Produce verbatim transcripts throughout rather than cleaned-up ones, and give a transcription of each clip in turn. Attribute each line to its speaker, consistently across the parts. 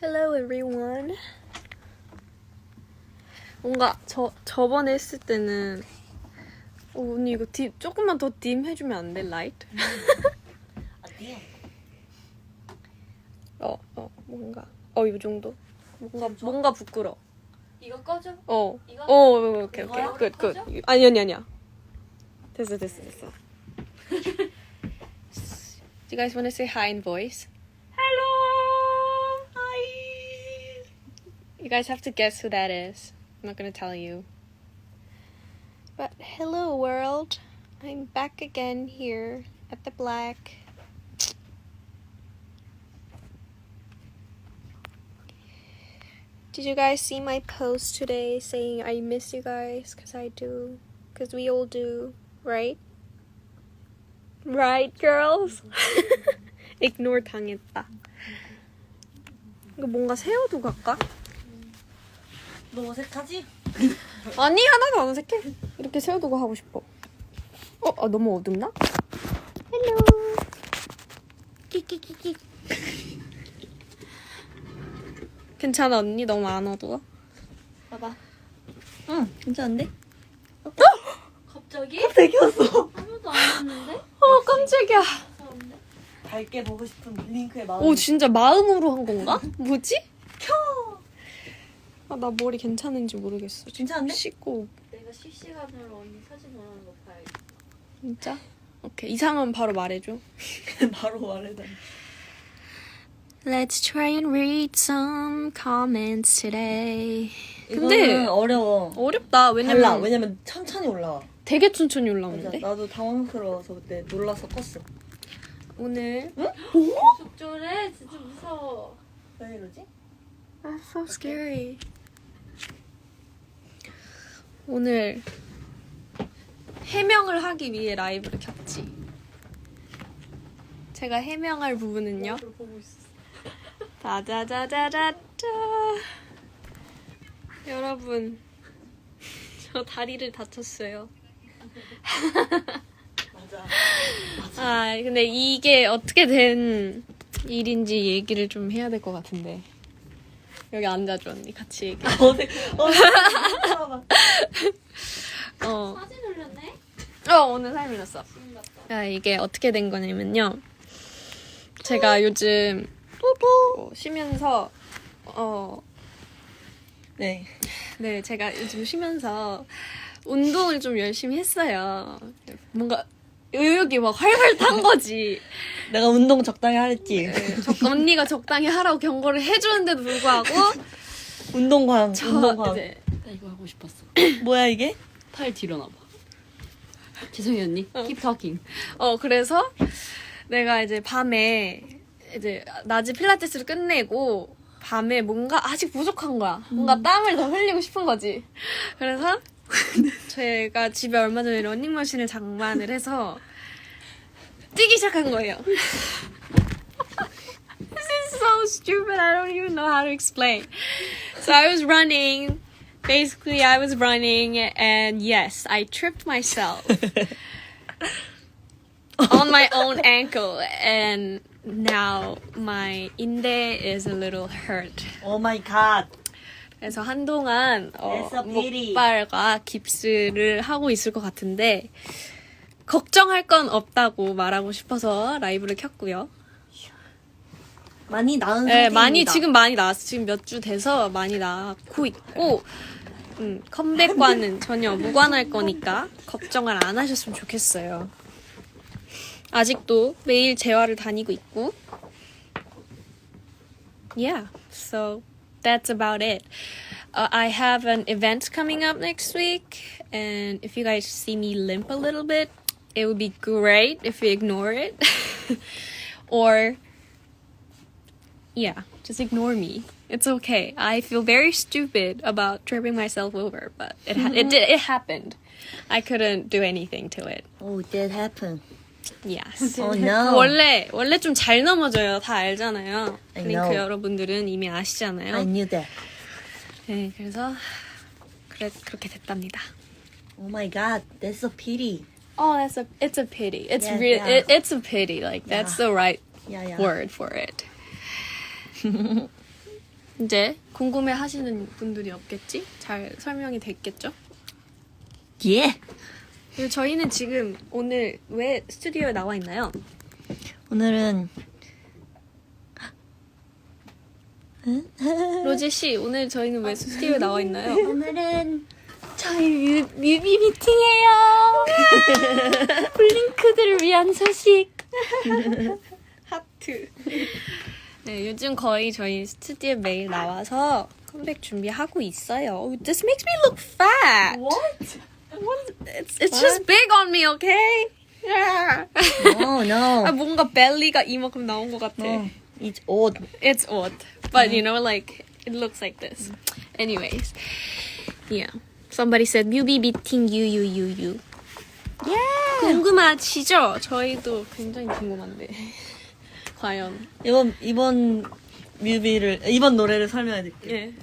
Speaker 1: Hello everyone. 뭔가 저 저번에 했을 때는 어, 언니 이거 딥 조금만 더 딤 해주면 안 돼? 라이트?
Speaker 2: 어디요?
Speaker 1: 어, 어 뭔가 어 이 정도? 뭔가
Speaker 2: 지금 좋아?
Speaker 1: 뭔가 부끄러.
Speaker 2: 이거 꺼줘?
Speaker 1: 어.
Speaker 2: 이거?
Speaker 1: 어, 오케이 오케이.
Speaker 2: 이거요?
Speaker 1: 끝 끝.
Speaker 2: 꺼져?
Speaker 1: 아니 아니 아니야. 됐어 됐어 됐어. Do you guys want to say hi in voice?
Speaker 2: Hello! Hi!
Speaker 1: You guys have to guess who that is. I'm not gonna tell you. But hello world. I'm back again here at the Black. Did you guys see my post today saying I miss you guys? Cause I do. Cause we all do, right? Right, girls? Ignore 당했다. 이거 뭔가 세워도 갈까?
Speaker 2: 너 어색하지?
Speaker 1: 아니 하나도 안 어색해. 이렇게 세워두고 하고 싶어. 어? 아, 너무 어둡나? 헬로. 끼끼끼끼. 괜찮아 언니? 너무 안 어두워?
Speaker 2: 봐봐. 응, 괜찮은데?
Speaker 1: 어?
Speaker 2: 갑자기? 갑자기 켰어. 아무도 안 했는데?
Speaker 1: 어 깜짝이야.
Speaker 2: 밝게 보고 싶은 링크의 마음.
Speaker 1: 오 진짜 마음으로 한 건가? 뭐지? 켜. 아, 나 머리 괜찮은지 모르겠어.
Speaker 2: 괜찮은데?
Speaker 1: 씻고.
Speaker 2: 내가 실시간으로 언니 사진 올라오는 거 봐야겠다.
Speaker 1: 진짜? 오케이 이상은 바로 말해줘.
Speaker 2: 바로 말해달래.
Speaker 1: Let's try and read some comments today.
Speaker 2: 근데
Speaker 1: 근데
Speaker 2: 어려워.
Speaker 1: 어렵다. 왜냐면
Speaker 2: 달라. 왜냐면 천천히 올라와.
Speaker 1: 되게 천천히
Speaker 2: 맞아.
Speaker 1: 올라오는데.
Speaker 2: 나도 당황스러워서 그때 놀라서 껐어.
Speaker 1: 오늘
Speaker 2: 속절해? 진짜 무서워. 왜 이러지?
Speaker 1: That's so scary. 오늘 해명을 하기 위해 라이브를 켰지. 제가 해명할 부분은요.
Speaker 2: 보고 있어.
Speaker 1: 짜자자자자자. 여러분, 저 다리를 다쳤어요.
Speaker 2: 맞아.
Speaker 1: 아, 근데 이게 어떻게 된 일인지 얘기를 좀 해야 될 것 같은데. 여기 앉아줘, 언니. 같이 얘기해.
Speaker 2: 어색. 어색.
Speaker 1: 어.
Speaker 2: 사진 올렸네?
Speaker 1: 어, 오늘 사진 올렸어.
Speaker 2: 지금 같다.
Speaker 1: 아, 이게 어떻게 된 거냐면요. 제가 요즘 어, 쉬면서 어,
Speaker 2: 네.
Speaker 1: 네, 제가 요즘 쉬면서 운동을 좀 열심히 했어요. 뭔가 의욕이 막 활활 탄 거지.
Speaker 2: 내가 운동 적당히 하랬지.
Speaker 1: 네, 적, 언니가 적당히 하라고 경고를 해주는데도 불구하고
Speaker 2: 운동광.
Speaker 1: 저
Speaker 2: 운동광.
Speaker 1: 이제
Speaker 3: 나 이거 하고 싶었어.
Speaker 2: 뭐야 이게?
Speaker 3: 팔 뒤로 놔봐. 죄송해요 언니. Keep talking.
Speaker 1: 어 그래서 내가 이제 밤에 이제 낮에 필라테스를 끝내고 밤에 뭔가 아직 부족한 거야. 뭔가 땀을 더 흘리고 싶은 거지. 그래서 제가 집에 얼마 전에 러닝머신을 장만을 해서 뛰기 시작한 거예요. This is so stupid. I don't even know how to explain. So I was running. Basically, I was running and yes, I tripped myself on my own ankle and now my 인대 is a little hurt.
Speaker 2: 오 마이 갓.
Speaker 1: 그래서 한동안 어,
Speaker 2: That's a pity.
Speaker 1: 목발과 깁스를 하고 있을 것 같은데 걱정할 건 없다고 말하고 싶어서 라이브를 켰고요.
Speaker 2: 많이 나은
Speaker 1: 네,
Speaker 2: 상태입니다.
Speaker 1: 많이 지금 많이 나왔어. 지금 몇 주 돼서 많이 나고 있고 음, 컴백과는 전혀 무관할 거니까 걱정을 안 하셨으면 좋겠어요. 아직도 매일 재활을 다니고 있고 Yeah, so that's about it. Uh, I have an event coming up next week and if you guys see me limp a little bit, it would be great if you ignore it. Or yeah, just ignore me. It's okay. I feel very stupid about tripping myself over, but it ha- it did it happened. I couldn't do anything to it.
Speaker 2: Oh, that happened.
Speaker 1: Yes.
Speaker 2: Oh no.
Speaker 1: 원래 원래 좀 잘 넘어져요. 다 알잖아요.
Speaker 2: I
Speaker 1: 링크
Speaker 2: know.
Speaker 1: 여러분들은 이미 아시잖아요.
Speaker 2: I knew that.
Speaker 1: 네, 그래서 그래 그렇게 됐답니다.
Speaker 2: Oh my god, that's a pity.
Speaker 1: Oh, that's a it's a pity. It's
Speaker 2: Yeah,
Speaker 1: real.
Speaker 2: yeah.
Speaker 1: It, it's a pity. Like that's
Speaker 2: Yeah.
Speaker 1: the right
Speaker 2: Yeah, yeah.
Speaker 1: word for it. 이제 궁금해 하시는 분들이 없겠지? 잘 설명이 됐겠죠?
Speaker 4: 예.
Speaker 1: 그리고 저희는 지금 오늘 왜 스튜디오에 나와 있나요?
Speaker 4: 오늘은
Speaker 1: 로제 씨, 오늘 저희는 왜 스튜디오에 나와 있나요?
Speaker 3: 오늘은 저희 뮤, 뮤비 미팅이에요. 블링크들을 위한 소식.
Speaker 1: 하트. 네, 요즘 거의 저희 스튜디오에 매일 나와서 컴백 준비하고 있어요. This makes me look fat.
Speaker 2: What?
Speaker 1: It's, it's just big on me, okay? Yeah.
Speaker 4: no no
Speaker 1: 아, 뭔가 벨리가 이만큼 나온 것 같아.
Speaker 4: no it's odd.
Speaker 1: It's odd, but you know, like it looks like this. Anyways, yeah. Somebody said 뮤비 미팅 유유유유.
Speaker 4: Yeah.
Speaker 1: 궁금하시죠? 저희도 굉장히 궁금한데. 과연.
Speaker 4: 이번 이번 뮤비를 이번 노래를 설명해드릴게요.
Speaker 1: 예.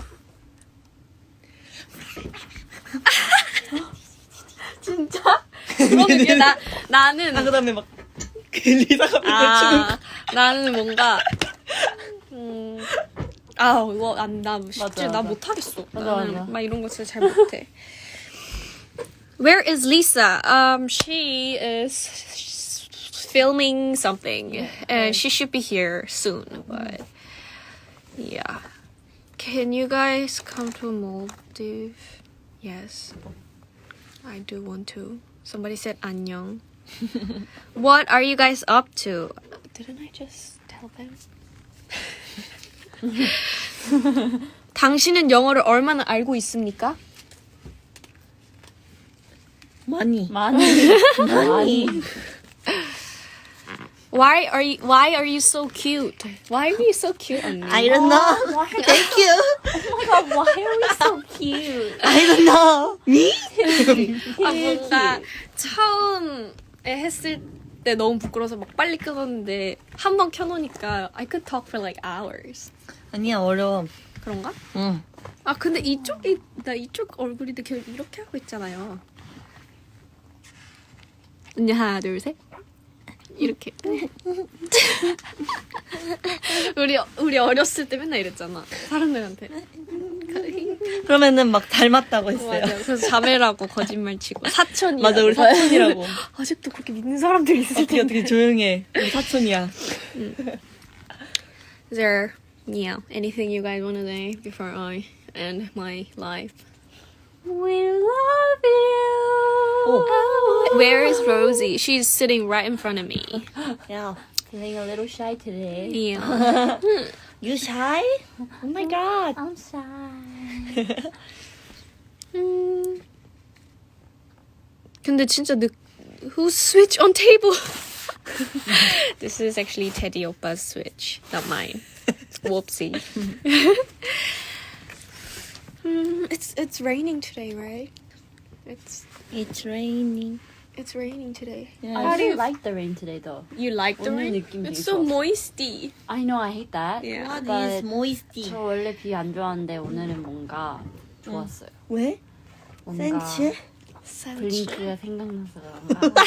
Speaker 1: 진짜? 그거는 나 나는
Speaker 4: 아 그다음에 막 리사가 맨날
Speaker 1: 아 나는 뭔가 음. 아 이거 안나 쉽지
Speaker 4: 맞아,
Speaker 1: 나
Speaker 4: 맞아.
Speaker 1: 못하겠어.
Speaker 3: 맞아,
Speaker 1: 나는
Speaker 3: 맞아.
Speaker 1: 막 이런 거 진짜 잘 못해. Where is Lisa? Um, she is filming something, and she should be here soon. But yeah, can you guys come to Maldives? Yes, I do want to. Somebody said 안녕. What are you guys up to? Didn't I just tell them? 당신은 영어를 얼마나 알고 있습니까?
Speaker 4: 많이
Speaker 3: 많이. 많이.
Speaker 1: Why are you Why are you so cute? Why are you so cute, 언니?
Speaker 4: I don't know. Thank you.
Speaker 3: Oh my god, why are we so cute?
Speaker 4: I don't know. Me?
Speaker 1: 아, 뭔가 처음에 했을 때 너무 부끄러워서 막 빨리 끊었는데 한 번 켜놓으니까 I could talk for like hours.
Speaker 4: 아니야 어려워.
Speaker 1: 그런가?
Speaker 4: 응.
Speaker 1: 아 근데 이쪽이 나 이쪽 얼굴인데 계속 이렇게 하고 있잖아요. 언니 하나 둘 셋. 이렇게. 우리 우리 어렸을 때 맨날 이랬잖아. 사람들한테.
Speaker 4: 그러면은 막 닮았다고 했어요.
Speaker 1: 맞아. 그래서 자매라고 거짓말 치고 사촌이라고.
Speaker 4: 맞아 우리 사촌이라고.
Speaker 1: 아직도 그렇게 믿는 사람들이 있을
Speaker 4: 어떻게
Speaker 1: 텐데.
Speaker 4: 어떻게 조용해. 우리 사촌이야.
Speaker 1: Is there, yeah, anything you guys want to say before I end my life?
Speaker 3: We love you.
Speaker 4: Oh.
Speaker 1: Where is Rosie? She's sitting right in front of me.
Speaker 4: 야,
Speaker 3: Feeling a little shy today.
Speaker 1: Yeah.
Speaker 4: you shy? Oh my god.
Speaker 3: I'm shy.
Speaker 1: 음. 근데 진짜 늦. Who switch on table? This is actually Teddy Oppa's switch, not mine. Whoopsie. Mm, it's it's raining today, right? It's
Speaker 4: It's raining.
Speaker 1: it's raining today.
Speaker 4: Yeah.
Speaker 3: I really like the rain today though.
Speaker 1: You like the
Speaker 3: 오늘
Speaker 1: rain?
Speaker 3: 느낌
Speaker 1: It's
Speaker 3: 되게
Speaker 1: so
Speaker 3: 좋았어.
Speaker 1: moisty.
Speaker 3: I know I hate that.
Speaker 1: Yeah.
Speaker 4: What
Speaker 3: But
Speaker 4: is moisty?
Speaker 3: 저 원래 비 안 좋아하는데 오늘은 뭔가 좋았어요.
Speaker 4: 왜?
Speaker 3: 뭔가
Speaker 4: 센치?
Speaker 3: 블링크가 생각나서 그런가.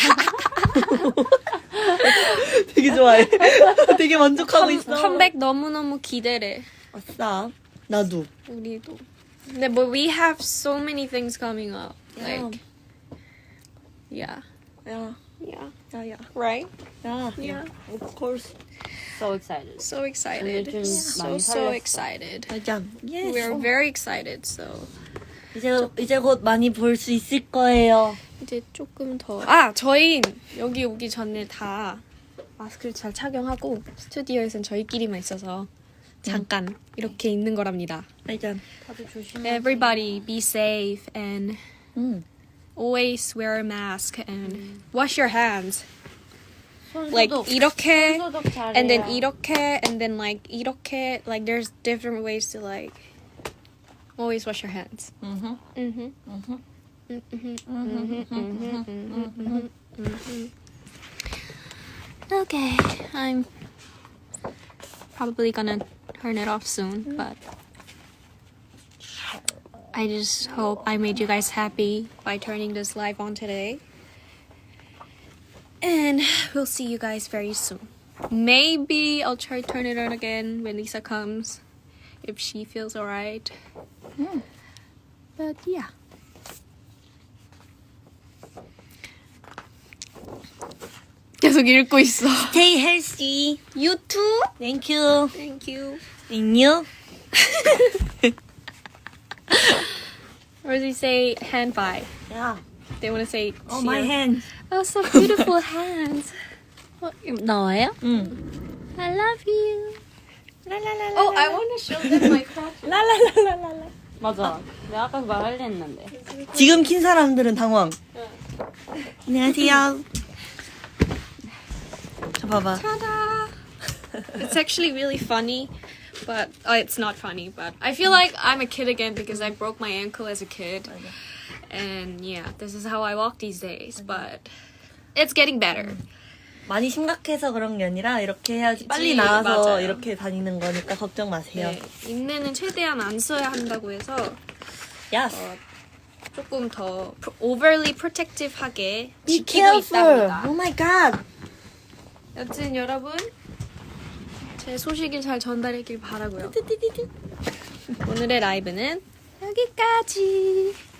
Speaker 4: 되게 좋아해. 되게 만족하고 있어.
Speaker 1: 컴백 너무 너무 기대래.
Speaker 4: 아싸. 나도.
Speaker 1: 우리도. 근데 but we have so many things coming up. Like, yeah,
Speaker 4: 야,
Speaker 1: yeah,
Speaker 4: 야, 야.
Speaker 1: right?
Speaker 4: 야.
Speaker 1: Yeah.
Speaker 4: Of course.
Speaker 3: So excited.
Speaker 1: So excited.
Speaker 3: 오늘 좀
Speaker 1: So
Speaker 3: 많이
Speaker 1: so
Speaker 3: 설렜어.
Speaker 1: excited.
Speaker 4: 맞아. Yes.
Speaker 1: We're very excited. So
Speaker 4: 이제 이제 곧 많이 볼 수 있을 거예요.
Speaker 1: 이제 조금 더. 아, 저희 여기 오기 전에 다 마스크를 잘 착용하고 스튜디오에선 저희끼리만 있어서 잠깐 이렇게 있는 거랍니다.
Speaker 4: 맞아.
Speaker 3: 다들 조심해.
Speaker 1: Everybody be safe and
Speaker 4: 응.
Speaker 1: always wear a mask and wash your hands.
Speaker 3: 손
Speaker 1: Like
Speaker 3: 소독.
Speaker 1: 이렇게
Speaker 3: 손 소독 잘해요.
Speaker 1: and then 이렇게 and then like 이렇게 like there's different ways to like always wash your hands.
Speaker 4: 응.
Speaker 1: Mhm.
Speaker 4: 응.
Speaker 1: Mhm. Mhm. Mhm. Mhm. Mhm. Okay, I'm probably gonna turn it off soon, but I just hope I made you guys happy by turning this live on today. And we'll see you guys very soon. Maybe I'll try to turn it on again when Lisa comes. if she feels alright. But yeah. 계속 읽고 있어.
Speaker 4: Stay healthy.
Speaker 1: You too.
Speaker 4: Thank you.
Speaker 1: Thank you.
Speaker 4: And you?
Speaker 1: Or does he say hand by?
Speaker 4: Yeah.
Speaker 1: They want to say.
Speaker 4: Oh, my
Speaker 1: cheer.
Speaker 4: hand.
Speaker 1: Oh, so beautiful hands. 어, 나와요?
Speaker 4: 응.
Speaker 1: I love you.
Speaker 4: 라라라라.
Speaker 1: Oh, I want to show them my crotch.
Speaker 4: 라라라라라.
Speaker 3: 맞아. 내가 아까 그말 하려 했는데.
Speaker 4: 지금 킨 사람들은 당황. 안녕하세요. 저 봐봐.
Speaker 1: Ta-da! It's actually really funny, but uh, it's not funny. But I feel like I'm a kid again because I broke my ankle as a kid, and yeah, this is how I walk these days. But it's getting better.
Speaker 4: 많이 심각해서 그런 게 아니라 이렇게 해야지 빨리
Speaker 1: 그치,
Speaker 4: 나와서
Speaker 1: 맞아요.
Speaker 4: 이렇게 다니는 거니까 걱정 마세요.
Speaker 1: 네, 인내는 최대한 안 써야 한다고 해서
Speaker 4: Yes.
Speaker 1: 어, 조금 더 pro- overly protective하게
Speaker 4: Be
Speaker 1: 지키고
Speaker 4: careful.
Speaker 1: 있답니다.
Speaker 4: Oh my god.
Speaker 1: 여튼 여러분 제 소식을 잘 전달하길 바라고요. 오늘의 라이브는 여기까지.